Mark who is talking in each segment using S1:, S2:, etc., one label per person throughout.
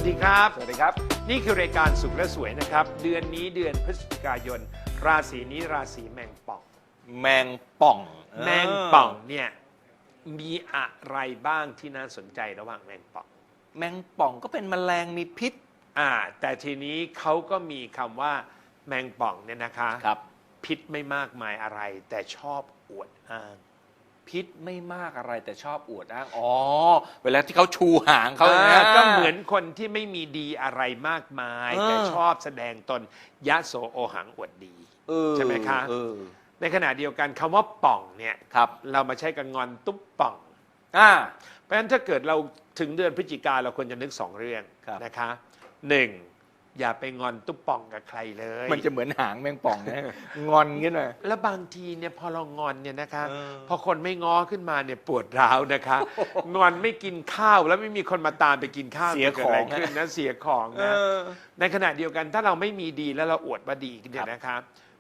S1: สดีครับ
S2: สวัสดีครับ
S1: นี่คือรายการสุขและสวยนะครับ เดือนนี้เดือนพฤศจิกายน ราศีนี้ราศีแมงป่อง
S2: แมงป่อง
S1: แมงป่องเนี่ยมีอะไรบ้างที่น่าสนใจระหว่างแมงป่อง
S2: แมงป่องก็เป็นแมลงมีพิษ
S1: แต่ทีนี้เขาก็มีคำว่าแมงป่องเนี่ยนะคะ
S2: ครับ
S1: พิษไม่มากมายอะไร แต่ชอบอวดอ้าง
S2: พิษไม่มากอะไรแต่ชอบอวดอ้างอ๋อเวลาที่เขาชูหางเขา
S1: ก็เหมือนคนที่ไม่มีดีอะไรมากมาย แต่ชอบแสดงตนยะโสโอหังอวดดีใช่ไหมคะในขณะเดียวกันคำว่าป่องเนี่ยเรามาใช้กับงอนตุ๊บป่องเพราะฉะนั้นถ้าเกิดเราถึงเดือนพฤศจิกาเราควรจะนึก2 เรื่องนะคะ1อย่าไปงอนตุ๊บป่องกับใครเลย
S2: มันจะเหมือนหางแมงป่องนะงอนงี้หน่อย
S1: แล้วบางทีเนี่ยพอเรางอนเนี่ยนะคะพอคนไม่ง้อขึ้นมาเนี่ยปวดร้าวนะคะงอนไม่กินข้าวแล้วไม่มีคนมาตามไปกินข้าว
S2: เสียของ
S1: ขึ้นนะเสียของนะในขณะเดียวกันถ้าเราไม่มีดีแล้วเราอวดว่าดีเนี่ยนะครับ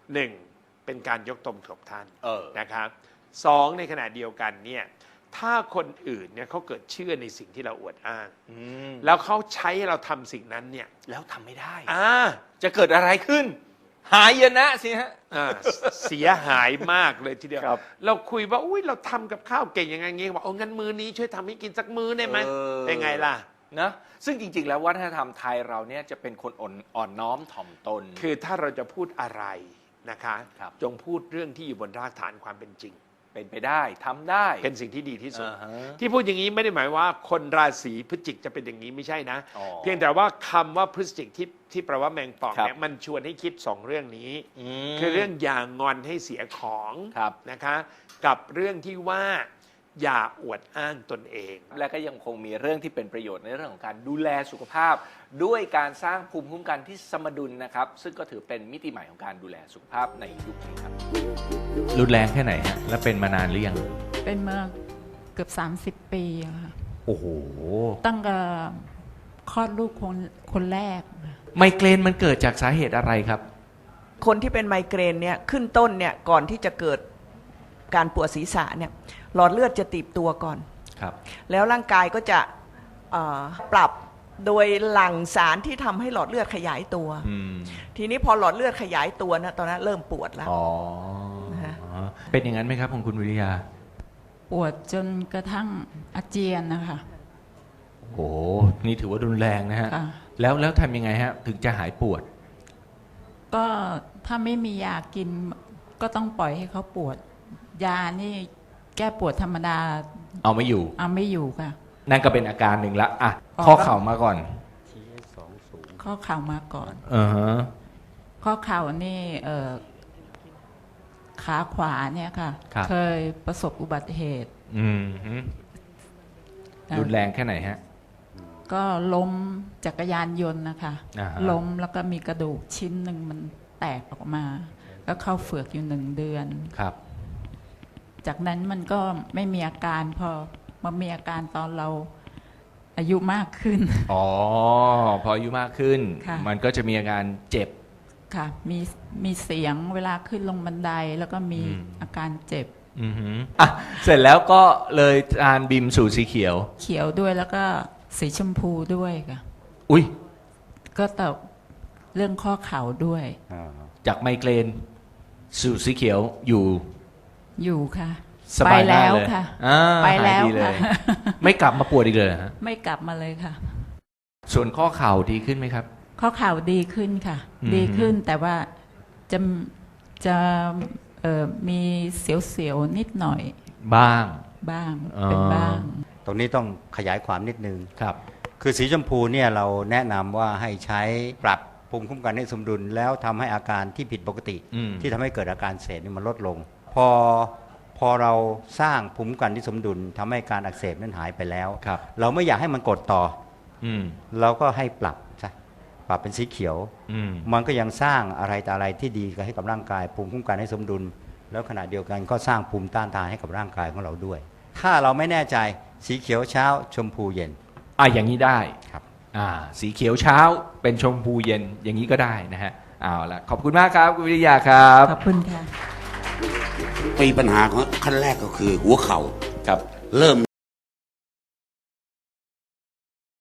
S1: 1เป็นการยกตนถกท่านนะครับ2ในขณะเดียวกันเนี่ยถ้าคนอื่นเนี่ยเขาเกิดเชื่อในสิ่งที่เราอวดอ้างแล้วเขาใช้เราทำสิ่งนั้นเนี่ย
S2: แล้วทำไม่ได้
S1: จะ
S2: เกิดอะไรขึ้นหายนะสิฮะ
S1: เสียหายมากเลยทีเดียวเราคุยว่าอุ้ยเราทำกับข้าวเก่งยังไงเงี้ยบอกโอ้งั้นมื้อนี้ช่วยทำให้กินสักมื้อได้ไหมเป็นไงล่ะ
S2: นะซึ่งจริงๆแล้ววัฒนธรรมไทยเราเนี่ยจะเป็นคนอ่อนน้อมถ่อมตน
S1: คือถ้าเราจะพูดอะไรนะคะจงพูดเรื่องที่อยู่บนรากฐานความเป็นจริง
S2: เป็นไปได้ทำได้
S1: เป็นสิ่งที่ดีที่สุดที่พูดอย่างนี้ไม่ได้หมายว่าคนราศีพฤศจิกจะเป็นอย่างนี้ไม่ใช่นะเพียงแต่ว่าคำว่าพฤศจิกที่แปลว่าแมงป่องเนี่ยมันชวนให้คิด2 เรื่องนี้คือเรื่องอย่างงอนให้เสียของนะคะกับเรื่องที่ว่าอย่าอวดอ้างตนเอง
S2: และก็ยังคงมีเรื่องที่เป็นประโยชน์ในเรื่องของการดูแลสุขภาพด้วยการสร้างภูมิคุ้มกันที่สมดุลนะครับซึ่งก็ถือเป็นมิติใหม่ของการดูแลสุขภาพในยุคนี้ครับ
S3: รุนแรงแค่ไหนฮะและเป็นมานานหรือยัง
S4: เป็นมาเกือบ30 ปีค่ะ
S3: โอ้โห
S4: ตั้งแต่คลอดลูกคนแรก
S3: ไมเกรนมันเกิดจากสาเหตุอะไรครับ
S5: คนที่เป็นไมเกรนเนี่ยขึ้นต้นเนี่ยก่อนที่จะเกิดการปวดศีรษะเนี่ยหลอดเลือดจะตีบตัวก่อนแล้วร่างกายก็จะปรับโดยหลั่งสารที่ทำให้หลอดเลือดขยายตัวทีนี้พอหลอดเลือดขยายตัวนะตอนนั้นเริ่มปวดแล้ว
S3: เป็นอย่างนั้นไหมครับของคุณวิริยา
S4: ปวดจนกระทั่งอาเจียนนะคะ
S3: โอ้นี่ถือว่ารุนแรงนะฮะแล้วทำยังไงฮะถึงจะหายปวด
S4: ก็ถ้าไม่มียากินก็ต้องปล่อยให้เขาปวดยานี่แก้ปวดธรรมดา
S3: เอาไม่อยู่
S4: ค่ะ
S3: นั่นก็เป็นอาการหนึ่งละอ่ะข้อเข่ามาก่อน
S4: ข้อเข่ามาก่อนข้อเข่านี่ขาขวาเนี่ยค่ะเคยประสบอุบัติเหตุ
S3: รุนแรงแค่ไหนฮะ
S4: ก็ล้มจักรยานยนต์นะคะล้มแล้วก็มีกระดูกชิ้นหนึ่งมันแตกออกมาก็เข้าเฝือกอยู่1 เดือน
S3: ครับ
S4: จากนั้นมันก็ไม่มีอาการพอมามีอาการตอนเราอายุมากขึ้น
S3: พออายุมากขึ้นมันก็จะมีอาการเจ็บ
S4: ค่ะมีเสียงเวลาขึ้นลงบันไดแล้วก็มีอาการเจ็บ
S3: เสร็จแล้วก็เลยทานบิมสูตรสีเขี
S4: ยวด้วยแล้วก็สีชมพูด้วยค่ะ
S3: อุ้ย
S4: ก็แต่เรื่องข้อเข่าด้วย
S3: จากไมเกรนสูตรสีเขียวอยู่
S4: ค่ะ
S3: ไปแล้ว
S4: ค่ะไปแล้วค่ะ
S3: ไม่กลับมาปวดอีกเลยฮะ
S4: ไม่กลับมาเลยค่ะ
S3: ส่วนข้อเข่าดีขึ้นไหมครับ
S4: ข้อเข่าดีขึ้นค่ะดีขึ้นแต่ว่าจะมีเสียวๆนิดหน่อย
S3: บ้าง
S4: เป็นบ้าง
S6: ตรงนี้ต้องขยายความนิดนึงครับคือสีชมพูเนี่ยเราแนะนำว่าให้ใช้ปรับภูมิคุ้มกันให้สมดุลแล้วทำให้อาการที่ผิดปกติที่ทำให้เกิดอาการเสพนี่มันลดลงพอเราสร้างภูมิคุ้มกันที่สมดุลทำให้การอักเสบนั้นหายไปแล้วเราไม่อยากให้มันกดต่อเราก็ให้ปรับเป็นสีเขียวมันก็ยังสร้างอะไรแต่อะไรที่ดีให้กับร่างกายภูมิคุ้มกันให้สมดุลแล้วขณะเดียวกันก็สร้างภูมิต้านทานให้กับร่างกายของเราด้วยถ้าเราไม่แน่ใจสีเขียวเช้าชมพูเย็น
S3: อย่างนี้ได้
S6: ครับ
S3: สีเขียวเช้าเป็นชมพูเย็นอย่างนี้ก็ได้นะฮะเอาละขอบคุณมากครับคุณวิริยาครับ
S4: ขอบคุณค่ะ
S7: มีปัญหาของขั้นแรกก็คือหัวเข่าเริ่ม